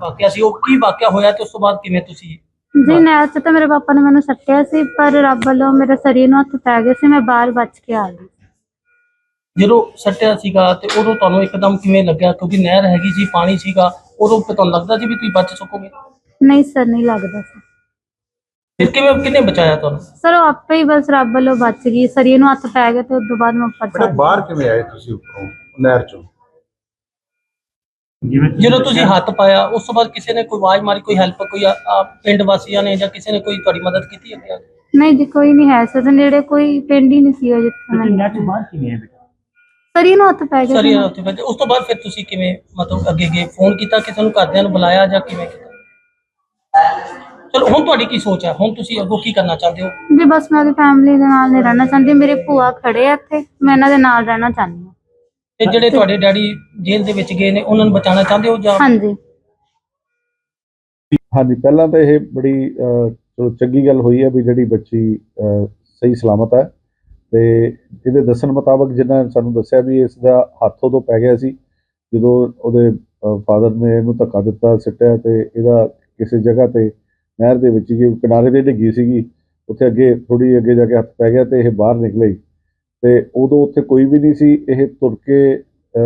ਵਾਕਿਆ ਸੀ ਉਹ ਕੀ ਵਾਕਿਆ ਹੋਇਆ ਤੇ ਉਸ ਤੋਂ ਬਾਅਦ ਕਿਵੇਂ ਤੁਸੀਂ ਜੀ ਨਹਿਰ 'ਚ ਤਾਂ ਮੇਰੇ ਪਾਪਾ ਨੇ ਮੈਨੂੰ ਸੱਟਿਆ ਸੀ, ਪਰ ਰੱਬ ਵੱਲੋਂ ਮੇਰੇ ਸਰੀਰ ਨੂੰ ਹੱਥ ਪੈ ਗਏ ਸੀ, ਮੈਂ ਬਾਹਰ ਬਚ ਕੇ ਆ ਗਈ। ਜਦੋਂ ਸੱਟਿਆ ਸੀਗਾ ਤੇ ਉਦੋਂ ਤੁਹਾਨੂੰ ਇੱਕਦਮ ਕਿਵੇਂ ਲੱਗਿਆ, ਕਿਉਂਕਿ ਨਹਿਰ ਹੈਗੀ ਸੀ, ਪਾਣੀ ਸੀਗਾ, ਉਦੋਂ ਫਿਰ ਤੁਹਾਨੂੰ ਲੱਗਦਾ ਸੀ ਵੀ ਤੁਸੀਂ ਬਚ ਸਕੋਗੇ? ਨਹੀਂ ਸਰ, ਨਹੀਂ ਲੱਗਦਾ ਸੀ। ਫਿਰ ਕਿਵੇਂ ਕਿਹਨੇ ਬਚਾਇਆ ਤੁਹਾਨੂੰ? ਸਰ ਉਹ ਆਪੇ ਹੀ ਬਸ ਰੱਬ ਵੱਲੋਂ ਬਚ ਗਈ, ਸਰੀਰ ਨੂੰ ਹੱਥ ਪੈ ਗਏ ਤੇ ਉਸ ਤੋਂ ਬਾਅਦ ਮੈਂ ਉੱਪਰ ਬੇਟਾ ਚੜ੍ਹ ਬਾਹਰ ਗਈ। ਕਿਵੇਂ ਆਏ ਤੁਸੀਂ ਉੱਪਰੋਂ ਨਹਿਰ ਚੋਂ? ਜਦੋਂ ਤੁਸੀਂ ਹੱਥ ਪਾਇਆ ਉਸ ਤੋਂ ਬਾਅਦ ਕਿਸੇ ਨੇ ਕੋਈ ਆਵਾਜ਼ ਮਾਰੀ, ਕੋਈ ਹੈਲਪ, ਕੋਈ ਪਿੰਡ ਵਾਸੀਆਂ ਨੇ ਜਾਂ ਕਿਸੇ ਨੇ ਕੋਈ ਤੁਹਾਡੀ ਮਦਦ ਕੀਤੀ ਅੱਗੇ ਆ ਕੇ? ਨਹੀਂ ਜੀ, ਕੋਈ ਨਹੀਂ ਹੈ ਸਰ, ਨੇੜੇ ਕੋਈ ਪਿੰਡ ਹੀ ਨਹੀਂ ਸੀ ਉਹ ਜਿੱਥੇ ਮੈਂ ਬਾਹਰ ਕਿਵੇਂ ਹੈ ਬੇਟਾ? ਸਰੀਰ ਨੂੰ ਹੱਥ ਪੈ ਗਏ ਸਰੀ ਸੀ। ਉੱਥੇ ਫਿਰ ਉਸ ਤੋਂ ਬਾਅਦ ਫਿਰ ਤੁਸੀਂ ਕਿਵੇਂ ਮਤਲਬ ਅੱਗੇ ਗਏ, ਫੋਨ ਕੀਤਾ ਕਿਸੇ ਨੂੰ, ਘਰਦਿਆਂ ਨੂੰ ਬੁਲਾਇਆ ਜਾਂ ਕਿਵੇਂ ਕੀਤਾ? ਚਲੋ ਹੁਣ ਤੁਹਾਡੀ ਕੀ ਸੋਚ ਹੈ, ਹੁਣ ਤੁਸੀਂ ਅੱਗੋਂ ਕੀ ਕਰਨਾ ਚਾਹੁੰਦੇ ਹੋ? ਜੀ ਬਸ ਮੈਂ ਆਪਣੀ ਫੈਮਿਲੀ ਦੇ ਨਾਲ ਨਹੀਂ ਰਹਿਣਾ ਚਾਹੁੰਦੀ, ਮੇਰੇ ਭੂਆ ਖੜੇ ਆ ਇੱਥੇ, ਮੈਂ ਇਹਨਾਂ ਦੇ ਨਾਲ ਰਹਿਣਾ ਚਾਹੁੰਦੀ ਹਾਂ। ਤੇ ਜਿਹੜੇ ਤੁਹਾਡੇ ਡੈਡੀ ਜੇਲ੍ਹ ਦੇ ਵਿੱਚ ਗਏ ਨੇ ਉਹਨਾਂ ਨੂੰ ਬਚਾਉਣਾ ਚਾਹੁੰਦੇ ਹੋ ਜਾਂ? ਹਾਂਜੀ ਹਾਂਜੀ, ਪਹਿਲਾਂ ਤਾਂ ਇਹ ਬੜੀ ਚਲੋ ਚੰਗੀ ਗੱਲ ਹੋਈ ਹੈ ਵੀ ਜਿਹੜੀ ਬੱਚੀ ਸਹੀ ਸਲਾਮਤ ਹੈ। ਤੇ ਇਹਦੇ ਦੱਸਣ ਮੁਤਾਬਕ ਜਿੰਨਾ ਸਾਨੂੰ ਦੱਸਿਆ ਵੀ ਇਸ ਦਾ ਹੱਥ ਉਦੋਂ ਪੈ ਗਿਆ ਸੀ ਜਦੋਂ ਉਹਦੇ ਫਾਦਰ ਨੇ ਇਹਨੂੰ ਧੱਕਾ ਦਿੱਤਾ, ਸਿੱਟਿਆ, ਤੇ ਇਹਦਾ ਕਿਸੇ ਜਗ੍ਹਾ ਤੇ ਨਹਿਰ ਦੇ ਵਿੱਚ ਕਿਨਾਰੇ ਤੇ ਡਿੱਗੀ ਸੀਗੀ, ਉੱਥੇ ਅੱਗੇ ਥੋੜੀ ਅੱਗੇ ਜਾ ਕੇ ਹੱਥ ਪੈ ਗਿਆ ਤੇ ਇਹ ਬਾਹਰ ਨਿਕਲੇ। ਤੇ ਉਦੋਂ ਉੱਥੇ ਕੋਈ ਵੀ ਨਹੀਂ ਸੀ, ਇਹ ਤੁਰ ਕੇ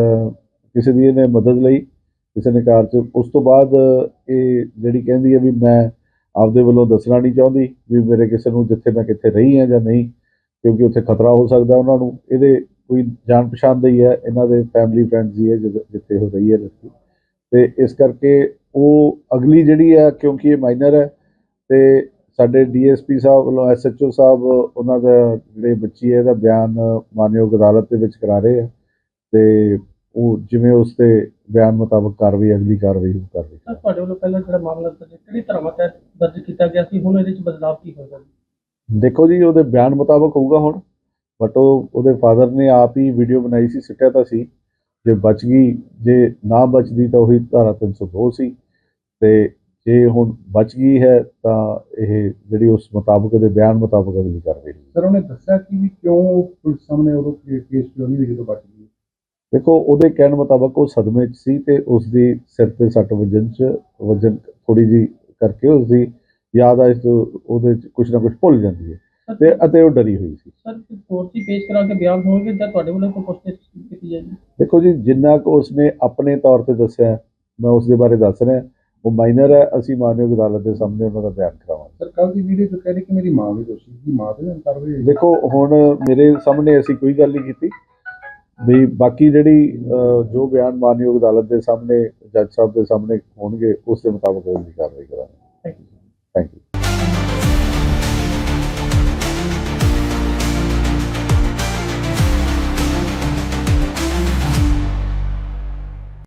ਕਿਸੇ ਦੀ ਇਹਨੇ ਮਦਦ ਲਈ, ਕਿਸੇ ਨੇ ਕਾਰ 'ਚ। ਉਸ ਤੋਂ ਬਾਅਦ ਇਹ ਜਿਹੜੀ ਕਹਿੰਦੀ ਹੈ ਵੀ ਮੈਂ ਆਪਦੇ ਵੱਲੋਂ ਦੱਸਣਾ ਨਹੀਂ ਚਾਹੁੰਦੀ ਵੀ ਮੇਰੇ ਕਿਸੇ ਨੂੰ ਜਿੱਥੇ ਮੈਂ ਕਿੱਥੇ ਰਹੀ ਹਾਂ ਜਾਂ ਨਹੀਂ, ਕਿਉਂਕਿ ਉੱਥੇ ਖਤਰਾ ਹੋ ਸਕਦਾ ਉਹਨਾਂ ਨੂੰ। ਇਹਦੇ ਕੋਈ ਜਾਣ ਪਛਾਣ ਦਾ ਹੀ ਹੈ, ਇਹਨਾਂ ਦੇ ਫੈਮਿਲੀ ਫਰੈਂਡਸ ਹੀ ਹੈ ਜਿੱਥੇ ਉਹ ਰਹੀ ਹੈ ਲੜਕੀ, ਤੇ ਇਸ ਕਰਕੇ ਉਹ ਅਗਲੀ ਜਿਹੜੀ ਹੈ, ਕਿਉਂਕਿ ਇਹ ਮਾਈਨਰ ਹੈ ਤੇ ਸਾਡੇ DSP ਸਾਹਿਬ ਵੱਲੋਂ SHO ਸਾਹਿਬ ਉਹਨਾਂ ਦਾ ਜਿਹੜੇ ਬੱਚੀ ਹੈ ਇਹਦਾ ਬਿਆਨ ਮਾਨਯੋਗ ਅਦਾਲਤ ਦੇ ਵਿੱਚ ਕਰਾ ਰਹੇ ਆ, ਤੇ ਉਹ ਜਿਵੇਂ ਉਸ ਤੇ ਬਿਆਨ ਮੁਤਾਬਕ ਕਾਰਵਾਈ ਅਗਲੀ ਕਾਰਵਾਈ ਉਹ ਕਰ ਰਹੀ ਹੈ। ਤੁਹਾਡੇ ਵੱਲੋਂ ਪਹਿਲਾਂ ਜਿਹੜਾ ਮਾਮਲਾ ਕਿਹੜੀ ਧਾਰਾ ਤਹਿਤ ਦਰਜ ਕੀਤਾ ਗਿਆ ਸੀ, ਹੁਣ ਇਹਦੇ ਵਿੱਚ ਬਦਲਾਅ ਕੀ ਹੋਏਗਾ? ਦੇਖੋ ਜੀ, ਉਹਦੇ ਬਿਆਨ ਮੁਤਾਬਕ ਹੋਊਗਾ ਹੁਣ, ਬਟ ਉਹਦੇ ਫਾਦਰ ਨੇ ਆਪ ਹੀ ਵੀਡੀਓ ਬਣਾਈ ਸੀ, ਸਿੱਟਿਆ ਤਾਂ ਸੀ, ਜੇ ਬਚ ਗਈ, ਜੇ ਨਾ ਬਚਦੀ ਤਾਂ ਉਹੀ ਧਾਰਾ 302 ਸੀ, ਤੇ ਜੇ ਹੁਣ ਬਚ ਗਈ ਹੈ ਤਾਂ ਇਹ ਜਿਹੜੀ ਉਸ ਮੁਤਾਬਕ ਦੇ ਬਿਆਨ ਮੁਤਾਬਕ ਅਗਲੀ ਕਾਰਵਾਈ। ਸਰ ਉਹਨੇ ਦੱਸਿਆ ਕਿ ਵੀ ਕਿਉਂ ਪੁਲਿਸ ਸਾਹਮਣੇ ਉਦੋਂ ਕੇਸ ਕਿਉਂ ਨਹੀਂ ਹੋਈ ਜਦੋਂ ਬਚ ਗਈ? ਦੇਖੋ, ਉਹਦੇ ਕਹਿਣ ਮੁਤਾਬਕ ਉਹ ਸਦਮੇ 'ਚ ਸੀ ਤੇ ਉਸਦੀ ਸਿਰ ਤੇ ਸੱਟ ਵਜਨ ਥੋੜੀ ਜੀ ਕਰਕੇ ਉਸਦੀ ਯਾਦ ਆ ਉਹਦੇ 'ਚ ਕੁਛ ਨਾ ਕੁਛ ਭੁੱਲ ਜਾਂਦੀ ਹੈ ਤੇ ਅਤੇ ਉਹ ਡਰੀ ਹੋਈ ਸੀ। ਸਰ ਕੋਰਟ 'ਚ ਪੇਸ਼ ਕਰਾ ਕੇ ਬਿਆਨ ਹੋਣਗੇ ਜਾਂ ਤੁਹਾਡੇ ਵੱਲੋਂ ਕੋਈ ਪੁੱਛਗਿੱਛ ਕੀਤੀ ਜਾਏਗੀ? ਦੇਖੋ ਜੀ, ਜਿੰਨਾ ਕੁ ਉਸਨੇ ਆਪਣੇ ਤੌਰ ਤੇ ਦੱਸਿਆ ਮੈਂ ਉਸ ਦੇ ਬਾਰੇ ਦੱਸ ਰਿਹਾ। ਉਹ ਮਾਈਨਰ ਹੈ, ਅਸੀਂ ਮਾਨਯੋਗ ਅਦਾਲਤ ਦੇ ਸਾਹਮਣੇ ਉਹਨਾਂ ਦਾ ਬਿਆਨ ਕਰਾਵਾਂਗੇ। ਸਰ ਕੱਲ੍ਹ ਦੀ ਵੀਡੀਓ 'ਚ ਕਹਿ ਰਹੇ ਕਿ ਮੇਰੀ ਮਾਂ ਵੀ ਦੋਸ਼ੀ ਸੀ, ਮਾਂ ਤੇ ਨਾ ਕਾਰਵਾਈ ਹੋਈ? ਦੇਖੋ, ਹੁਣ ਮੇਰੇ ਸਾਹਮਣੇ ਅਸੀਂ ਕੋਈ ਗੱਲ ਨਹੀਂ ਕੀਤੀ ਵੀ, ਬਾਕੀ ਜਿਹੜੀ ਜੋ ਬਿਆਨ ਮਾਨਯੋਗ ਅਦਾਲਤ ਦੇ ਸਾਹਮਣੇ ਜੱਜ ਸਾਹਿਬ ਦੇ ਸਾਹਮਣੇ ਹੋਣਗੇ ਉਸ ਦੇ ਮੁਤਾਬਕ ਅਗਲੀ ਕਾਰਵਾਈ ਕਰਾਂਗੇ। Thank you.